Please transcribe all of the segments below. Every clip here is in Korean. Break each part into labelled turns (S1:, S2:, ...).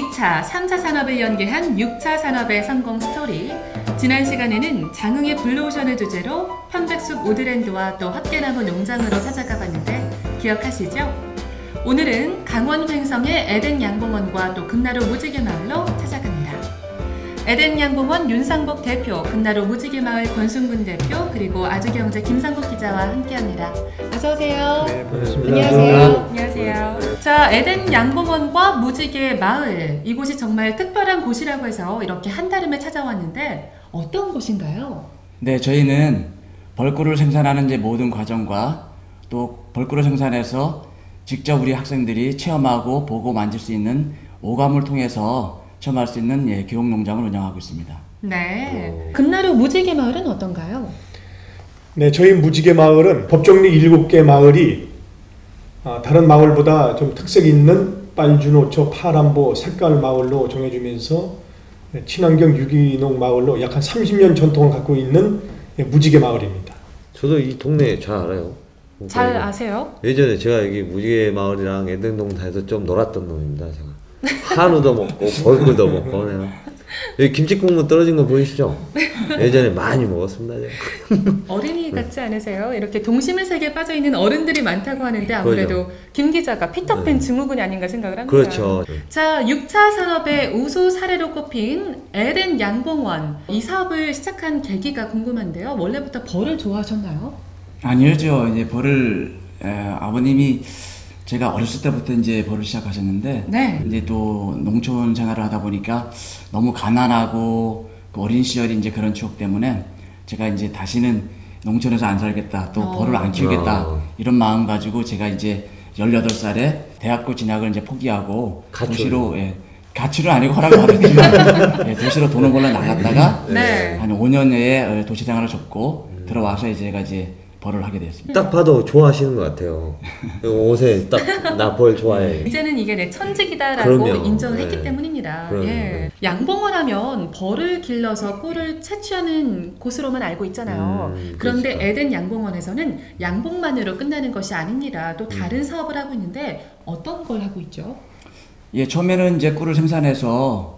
S1: 2차, 3차 산업을 연계한 6차 산업의 성공 스토리. 지난 시간에는 장흥의 블루오션을 주제로 편백숲 오드랜드와 또 헛개나무 농장으로 찾아가 봤는데 기억하시죠? 오늘은 강원 횡성의 에덴 양봉원과 또 금나루 무지개 마을로 찾아갑니다. 에덴 양봉원 윤상복 대표, 금나루 무지개 마을 권순근 대표, 그리고 아주경제 김상국 기자와 함께합니다. 어서 오세요.
S2: 네, 반갑습니다.
S1: 안녕하세요. 안녕하세요. 자, 에덴 양봉원과 무지개 마을, 이곳이 정말 특별한 곳이라고 해서 이렇게 한달음에 찾아왔는데 어떤 곳인가요?
S3: 네, 저희는 벌꿀을 생산하는 이제 모든 과정과 또 벌꿀을 생산해서 직접 우리 학생들이 체험하고 보고 만질 수 있는 오감을 통해서 체험할 수 있는 교육 농장을 운영하고 있습니다.
S1: 네. 금나루 무지개 마을은 어떤가요?
S2: 네, 저희 무지개 마을은 법정리 7개 마을이 다른 마을보다 좀 특색 있는 빨주노초, 파란보, 색깔 마을로 정해지면서 친환경 유기농 마을로 약 한 30년 전통을 갖고 있는 무지개 마을입니다.
S4: 저도 이 동네 잘 알아요.
S1: 잘 아세요?
S4: 예전에 제가 여기 무지개 마을이랑 에덴동산에서 좀 놀았던 놈입니다. 제가 한우도 먹고 벌꿀도 먹고 내가 여기 김치국물 떨어진 거 보이시죠? 예전에 많이 먹었습니다. 제가.
S1: 어린이 같지 않으세요? 이렇게 동심의 세계에 빠져있는 어른들이 많다고 하는데 아무래도
S4: 그렇죠.
S1: 김 기자가 피터팬
S4: 네.
S1: 증후군이 아닌가 생각을 합니다.
S4: 그렇죠.
S1: 자, 6차 산업의 우수 사례로 꼽힌 에덴 양봉원, 이 사업을 시작한 계기가 궁금한데요. 원래부터 벌을 좋아하셨나요?
S3: 아니죠. 이제 벌을 아버님이 제가 어렸을 때부터 이제 벌을 시작하셨는데,
S1: 네.
S3: 이제 또 농촌 생활을 하다 보니까 너무 가난하고 그 어린 시절이 이제 그런 추억 때문에 제가 이제 다시는 농촌에서 안 살겠다, 또 벌을 안 키우겠다 이런 마음 가지고 제가 이제 18살에 대학교 진학을 이제 포기하고 도시로 가출은 아니고 허락을 받았지만 도시로 돈을 벌러 나갔다가
S1: 네.
S3: 한 5년 내에 도시 생활을 접고 들어와서 제가 이제 벌을 하게 됐습니다.
S4: 딱 봐도 좋아하시는 것 같아요. 옷에 딱 나 벌 좋아해.
S1: 이제는 이게 내 천직이다라고
S4: 그럼요.
S1: 인정을 했기
S4: 네.
S1: 때문입니다.
S4: 그럼요.
S1: 예. 양봉원 하면 벌을 길러서 꿀을 채취하는 곳으로만 알고 있잖아요. 그런데
S4: 그렇죠.
S1: 에덴 양봉원에서는 양봉만으로 끝나는 것이 아닙니다. 또 다른 사업을 하고 있는데 어떤 걸 하고 있죠?
S3: 예, 처음에는 이제 꿀을 생산해서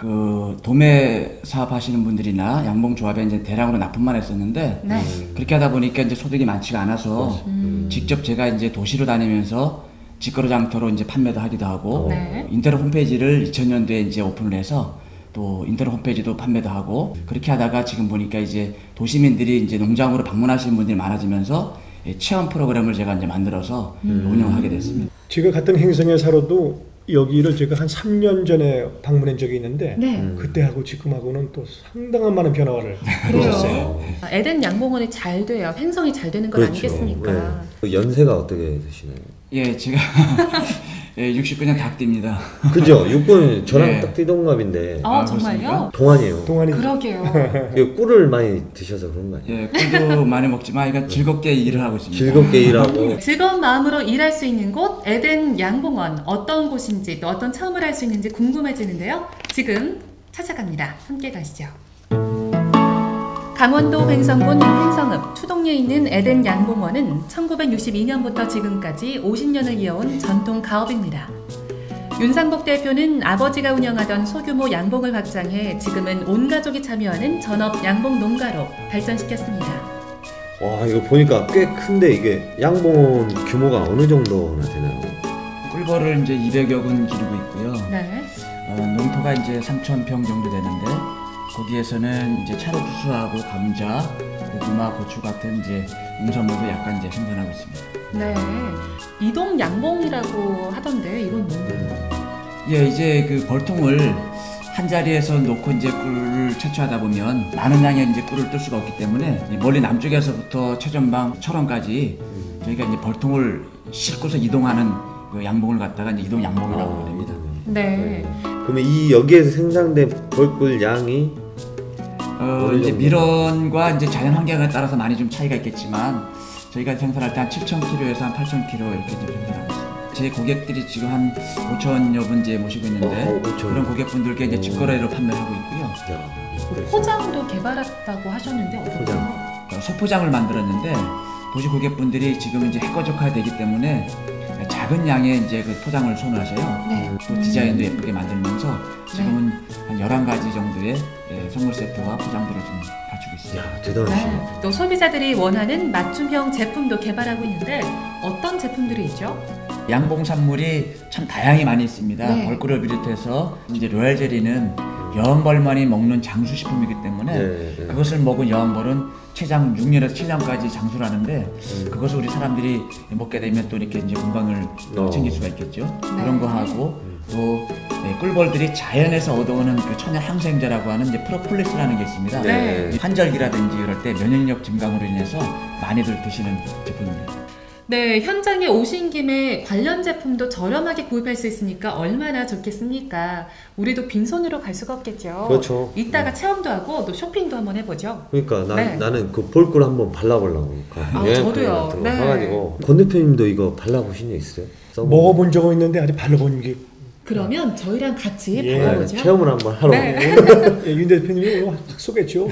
S3: 그 도매 사업하시는 분들이나 양봉조합에 이제 대량으로 납품만 했었는데
S1: 네.
S3: 그렇게 하다 보니까 이제 소득이 많지가 않아서 직접 제가 이제 도시로 다니면서 직거래장터로 이제 판매도 하기도 하고
S1: 네.
S3: 인터넷 홈페이지를 2000년도에 이제 오픈을 해서 또 인터넷 홈페이지도 판매도 하고 그렇게 하다가 지금 보니까 이제 도시민들이 이제 농장으로 방문하시는 분들이 많아지면서 체험 프로그램을 제가 이제 만들어서 운영하게 됐습니다.
S2: 제가 같은 행성에 살아도 여기를 제가 한 3년 전에 방문한 적이 있는데
S1: 네.
S2: 그때하고 지금하고는 또 상당한 많은 변화를 보셨어요.
S1: 에덴 양봉원이 잘 돼야 횡성이 잘 되는 건
S4: 그렇죠.
S1: 아니겠습니까?
S4: 네. 그 연세가 어떻게 되시나요?
S3: 예, 제가 69년 닭띠입니다.
S4: 그죠? 육군 저랑
S3: 네.
S4: 딱 띠동갑인데
S1: 아, 정말요?
S4: 동안이에요.
S2: 동안이
S1: 그러게요.
S4: 이거 꿀을 많이 드셔서 그런 거 아니에요?
S3: 예, 꿀도 많이 먹지만 이거 즐겁게 일을 하고 있습니다.
S4: 즐겁게 일하고
S1: 즐거운 마음으로 일할 수 있는 곳 에덴 양봉원, 어떤 곳인지 또 어떤 체험을 할 수 있는지 궁금해지는데요. 지금 찾아갑니다. 함께 가시죠. 강원도 횡성군 횡성읍 추동리에 있는 에덴 양봉원은 1962년부터 지금까지 50년을 이어온 전통 가업입니다. 윤상복 대표는 아버지가 운영하던 소규모 양봉을 확장해 지금은 온 가족이 참여하는 전업 양봉 농가로 발전시켰습니다.
S4: 와 이거 보니까 꽤 큰데 이게 양봉 규모가 어느 정도나 되나요?
S3: 꿀벌을 이제 200여 군 기르고 있고요.
S1: 네.
S3: 농토가 이제 3,000평 정도 되는데 거기에서는 이제 차로 추수하고 감자, 고구마, 고추 같은 이제 농산물도 약간 이제 생산하고 있습니다.
S1: 네. 이동 양봉이라고 하던데 이건 뭔가요?
S3: 예, 이제 그 벌통을 한 자리에서 놓고 이제 꿀을 채취하다 보면 많은 양의 이제 꿀을 뜰 수가 없기 때문에 멀리 남쪽에서부터 최전방 철원까지 저희가 이제 벌통을 싣고서 이동하는 그 양봉을 갖다가 이제 이동 양봉이라고 합니다.
S1: 네.
S4: 그러면 이 여기에서 생산된 벌꿀 양이
S3: 이제 밀원과 이제 자연 환경에 따라서 많이 좀 차이가 있겠지만 저희가 생산할 때 한 7,000kg에서 한 8,000kg 이렇게 좀 생산하고 있습니다. 제 고객들이 지금 한 5,000여 분 이제 모시고 있는데
S4: 5,000.
S3: 그런 고객분들께 이제 직거래로 판매를 하고 있고요.
S4: 야,
S1: 포장도 개발했다고 하셨는데 어떤가요?
S3: 소포장을 만들었는데 도시 고객분들이 지금 이제 핵거적화되기 때문에 작은 양의 이제 그 포장을 선호하셔요.
S1: 네.
S3: 또 디자인도 예쁘게 만들면서 지금은 한 11가지 정도의 선물 세트와 포장들을 좀 갖추고 있습니다.
S4: 야, 대단하시네.
S1: 네. 또 소비자들이 원하는 맞춤형 제품도 개발하고 있는데 어떤 제품들이 있죠?
S3: 양봉산물이 참 다양히 많이 있습니다.
S1: 네.
S3: 벌꿀을 비롯해서 이제 로얄 젤리는 여왕벌만이 먹는 장수식품이기 때문에
S4: 네.
S3: 그것을 먹은 여왕벌은 최장 6년에서 7년까지 장수를 하는데 그것을 우리 사람들이 먹게 되면 또 이렇게 이제 건강을 챙길 수가 있겠죠. 그런 거 하고 또 꿀벌들이 자연에서 얻어오는 그 천연 항생제라고 하는 이제 프로폴리스라는 게 있습니다.
S1: 네.
S3: 환절기라든지 이럴 때 면역력 증강으로 인해서 많이들 드시는 제품입니다.
S1: 네, 현장에 오신 김에 관련 제품도 저렴하게 구입할 수 있으니까 얼마나 좋겠습니까? 우리도 빈손으로 갈 수가 없겠죠.
S4: 그렇죠.
S1: 이따가 체험도 하고 또 쇼핑도 한번 해보죠.
S4: 그러니까
S1: 네.
S4: 나는 그 볼꿀 한번 발라보려고.
S1: 저도요.
S4: 같은 거
S1: 네.
S4: 사가지고. 권 대표님도 이거 발라보신 적 있어요?
S2: 먹어본 적은 있는데 아직 발라본 게
S1: 그러면 저희랑 같이
S2: 예.
S1: 발라보죠.
S4: 체험을 한번 하러.
S1: 네.
S2: 윤 대표님이 오늘 확 쏘겠죠.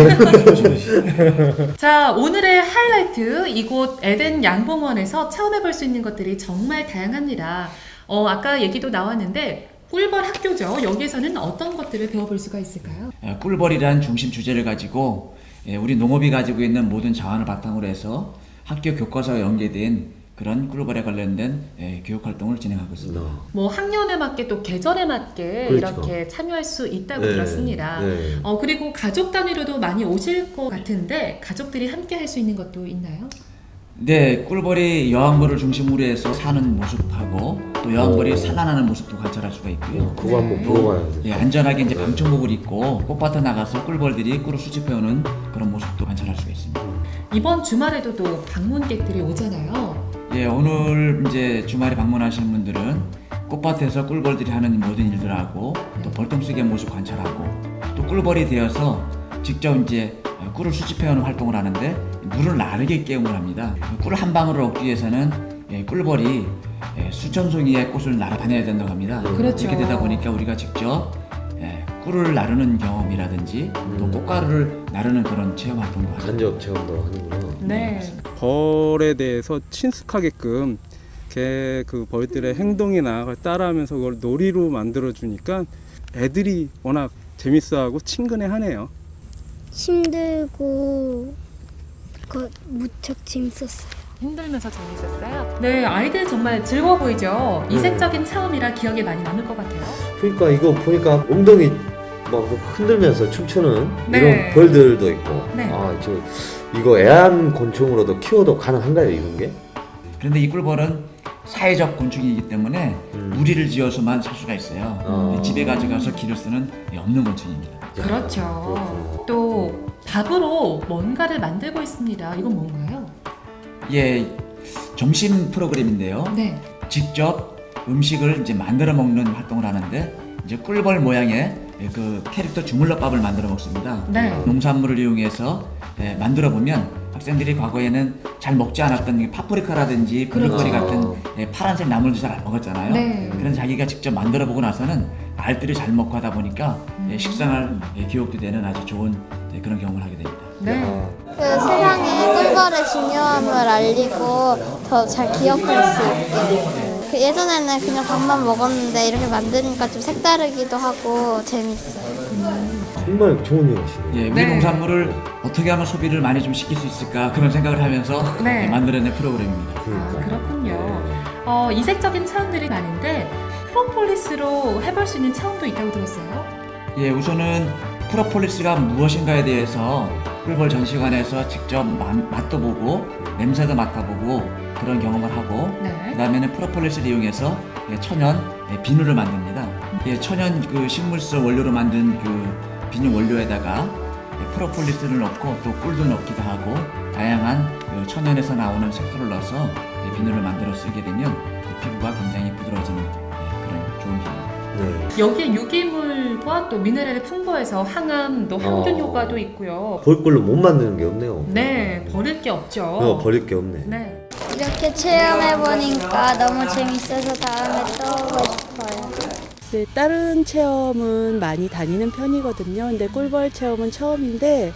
S1: 자, 오늘의 하이라이트 이곳 에덴 양봉원에서 체험해볼 수 있는 것들이 정말 다양합니다. 아까 얘기도 나왔는데 꿀벌 학교죠. 여기에서는 어떤 것들을 배워볼 수가 있을까요?
S3: 꿀벌이란 중심 주제를 가지고 우리 농업이 가지고 있는 모든 자원을 바탕으로 해서 학교 교과서와 연계된 그런 꿀벌에 관련된 교육 활동을 진행하고 있습니다.
S1: 뭐 학년에 맞게 또 계절에 맞게
S4: 그렇죠.
S1: 이렇게 참여할 수 있다고
S4: 네.
S1: 들었습니다.
S4: 네.
S1: 그리고 가족 단위로도 많이 오실 것 같은데 가족들이 함께 할 수 있는 것도 있나요?
S3: 네, 꿀벌이 여왕벌을 중심으로 해서 사는 모습하고 또 여왕벌이 산란하는 모습도 관찰할 수가 있고요.
S4: 그거 한번 보러 가야 돼.
S3: 예, 안전하게 이제 방충복을 입고 꽃밭에 나가서 꿀벌들이 꿀을 수집해오는 그런 모습도 관찰할 수가 있습니다.
S1: 이번 주말에도 또 방문객들이 오잖아요.
S3: 예, 오늘 이제 주말에 방문하시는 분들은 꽃밭에서 꿀벌들이 하는 모든 일들하고 또 벌통쓰기의 모습 관찰하고 또 꿀벌이 되어서 직접 이제 꿀을 수집해오는 활동을 하는데 물을 나르게 깨움을 합니다. 꿀 한 방울을 얻기 위해서는 꿀벌이 수천 송이의 꽃을 날아다녀야 된다고 합니다.
S1: 그렇죠.
S3: 이렇게 되다 보니까 우리가 직접 꿀을 나르는 경험이라든지 또 꽃가루를 나르는 그런 체험 활동도 하죠.
S4: 간접 체험도 하는구나.
S1: 네.
S5: 벌에 대해서 친숙하게끔 그 벌들의 행동이나 그걸 따라하면서 그걸 놀이로 만들어 주니까 애들이 워낙 재밌어하고 친근해하네요.
S6: 힘들고 무척 재밌었어요.
S1: 힘들면서 재밌었어요. 네, 아이들 정말 즐거워 보이죠? 이색적인 체험이라 기억에 많이 남을 것 같아요.
S4: 그러니까 이거 보니까 엉덩이 막 흔들면서 춤추는
S1: 네.
S4: 이런 벌들도 있고.
S1: 네.
S4: 이거 애완곤충으로도 키워도 가능한가요, 이런 게?
S3: 그런데 이 꿀벌은 사회적 곤충이기 때문에 무리를 지어서만 살 수가 있어요. 집에 가져가서 기를 쓰는 없는 곤충입니다.
S1: 그렇죠.
S4: 그렇구나.
S1: 또 밥으로 뭔가를 만들고 있습니다. 이건 뭔가요?
S3: 예, 점심 프로그램인데요.
S1: 네.
S3: 직접 음식을 이제 만들어 먹는 활동을 하는데 이제 꿀벌 모양의 그 캐릭터 주물럭밥을 만들어 먹습니다.
S1: 네.
S3: 농산물을 이용해서 만들어 보면 학생들이 과거에는 잘 먹지 않았던 파프리카라든지 블루베리
S1: 그렇죠.
S3: 같은 파란색 나물도 잘 안 먹었잖아요.
S1: 네.
S3: 그런 자기가 직접 만들어 보고 나서는 알들이 잘 먹고 하다 보니까 식상할 기억도 되는 아주 좋은 그런 경험을 하게 됩니다.
S1: 네.
S6: 그 세상에 꿀벌의 중요함을 알리고 더 잘 기억할 수 있게. 그 예전에는 그냥 밥만 먹었는데 이렇게 만드니까 좀 색다르기도 하고 재밌어요.
S4: 정말 좋은 일 하시네요.
S3: 예, 우리
S1: 네.
S3: 농산물을 어떻게 하면 소비를 많이 좀 시킬 수 있을까 그런 생각을 하면서
S1: 네.
S3: 만들어낸 프로그램입니다.
S1: 아, 그렇군요. 이색적인 체험들이 많은데 프로폴리스로 해볼 수 있는 체험도 있다고 들었어요.
S3: 예, 우선은 프로폴리스가 무엇인가에 대해서 꿀벌 전시관에서 직접 맛도 보고 냄새도 맡아보고 그런 경험을 하고
S1: 네.
S3: 그 다음에는 프로폴리스를 이용해서 천연 비누를 만듭니다. 천연 그 식물성 원료로 만든 그 비누 원료에다가 프로폴리스를 넣고 또 꿀도 넣기도 하고 다양한 그 천연에서 나오는 색소를 넣어서 비누를 만들어 쓰게 되면 피부가 굉장히 부드러워지는 그런 좋은 비누입니다.
S4: 네.
S1: 여기에 유기물과 또 미네랄이 풍부해서 항암, 또 항균 효과도 있고요.
S4: 볼꿀로 못 만드는 게 없네요.
S1: 네, 버릴 게 없죠.
S4: 버릴 게 없네.
S1: 네.
S6: 이렇게 체험해보니까 너무 재밌어서 다음에 또 오고 싶어요.
S7: 네, 다른 체험은 많이 다니는 편이거든요. 근데 꿀벌 체험은 처음인데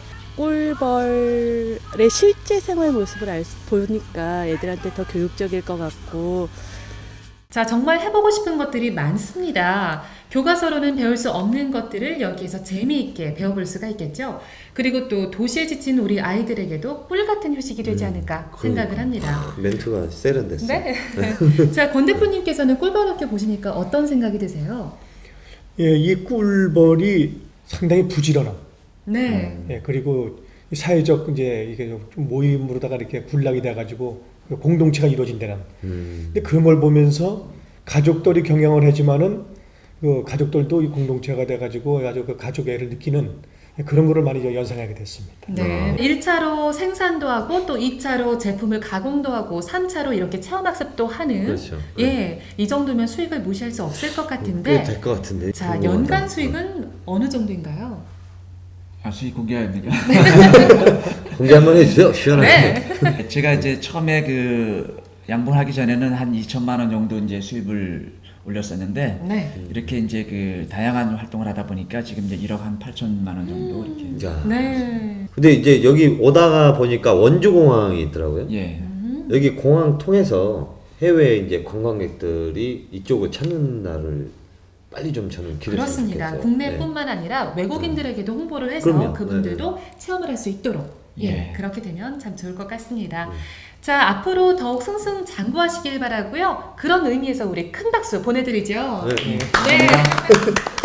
S7: 꿀벌의 실제 생활 모습을 보니까 애들한테 더 교육적일 것 같고
S1: 자, 정말 해보고 싶은 것들이 많습니다. 교과서로는 배울 수 없는 것들을 여기에서 재미있게 배워볼 수가 있겠죠. 그리고 또 도시에 지친 우리 아이들에게도 꿀 같은 휴식이 되지 않을까 생각을 합니다.
S4: 멘트가 세련됐어요.
S1: 네. 자, 권 대표님께서는 꿀벌 학교 보시니까 어떤 생각이 드세요?
S2: 예, 이 꿀벌이 상당히 부지런함.
S1: 네.
S2: 예, 그리고 사회적 이제 이게 좀 모임으로다가 이렇게 군락이 돼가지고 공동체가 이루어진다는. 근데 그런 걸 보면서 가족들이 경영을 하지만은 그 가족들도 이 공동체가 돼가지고 아주 그 가족의 애를 느끼는 그런 거를 많이 연상하게 됐습니다.
S1: 네. 1차로 생산도 하고 또 2차로 제품을 가공도 하고 3차로 이렇게 체험학습도 하는.
S4: 그렇죠.
S1: 예, 이 정도면 수익을 무시할 수 없을 것 같은데.
S4: 될 것 같은데.
S1: 자, 연간 수익은 어느 정도인가요?
S3: 수익 공개해야 되니까.
S4: 공개 한번 해주세요. 시원하게.
S1: 네.
S3: 제가 이제 처음에 그 양분하기 전에는 한 2천만 원 정도 이제 수입을 올렸었는데
S1: 네.
S3: 이렇게 이제 그 다양한 활동을 하다 보니까 지금 이제 1억 한 8천만 원 정도 이렇게.
S4: 자.
S1: 네.
S4: 근데 이제 여기 오다가 보니까 원주공항이 있더라고요.
S3: 예.
S4: 여기 공항 통해서 해외 이제 관광객들이 이쪽을 찾는 날을 빨리 좀 저는 기대했으면
S1: 그렇습니다.
S4: 좋겠어요.
S1: 국내뿐만 아니라 외국인들에게도 홍보를 해서
S4: 그럼요.
S1: 그분들도 체험을 할 수 있도록 예,
S3: 예.
S1: 그렇게 되면 참 좋을 것 같습니다. 자, 앞으로 더욱 승승장구하시길 바라고요. 그런 의미에서 우리 큰 박수 보내드리죠.
S4: 네.
S1: 네.